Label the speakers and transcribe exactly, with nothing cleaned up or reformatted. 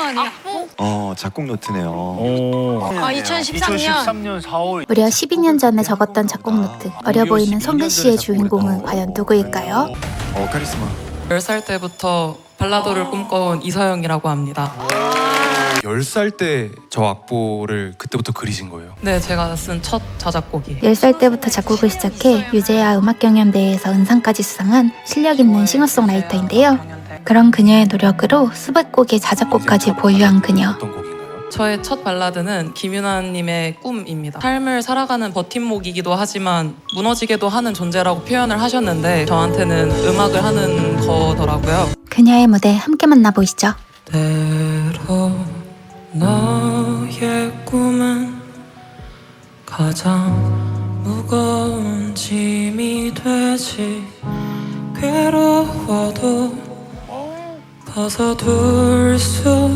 Speaker 1: 아니야?
Speaker 2: 어, 작곡 노트네요.
Speaker 3: 오.
Speaker 1: 아, 이천십삼 년.
Speaker 3: 이천십삼 년 사월.
Speaker 4: 무려 십이 년 전에 적었던 작곡 노트. 어려 보이는 성근 씨의 주인공은 과연 누구일까요?
Speaker 2: 어, 카리스마.
Speaker 5: 열 살 때부터 발라더를 꿈꿔온 이서영이라고 합니다.
Speaker 6: 열 살 때 저 악보를 그때부터 그리신 거예요?
Speaker 5: 네, 제가 쓴 첫 자작곡이에요.
Speaker 4: 열 살 때부터 작곡을 시작해 유재하 음악경연대회에서 은상까지 수상한 실력 있는 싱어송라이터인데요. 그런 그녀의 노력으로 수백 곡의 자작곡까지 보유한 그녀.
Speaker 6: 어떤 곡인가요?
Speaker 5: 저의 첫 발라드는 김윤아님의 꿈입니다. 삶을 살아가는 버팀목이기도 하지만 무너지게도 하는 존재라고 표현을 하셨는데 저한테는 음악을 하는 거더라고요.
Speaker 4: 그녀의 무대 함께 만나보시죠.
Speaker 5: 때로 너의 꿈은 가장 무거운 짐이 되지. 괴로워도 벗어둘 수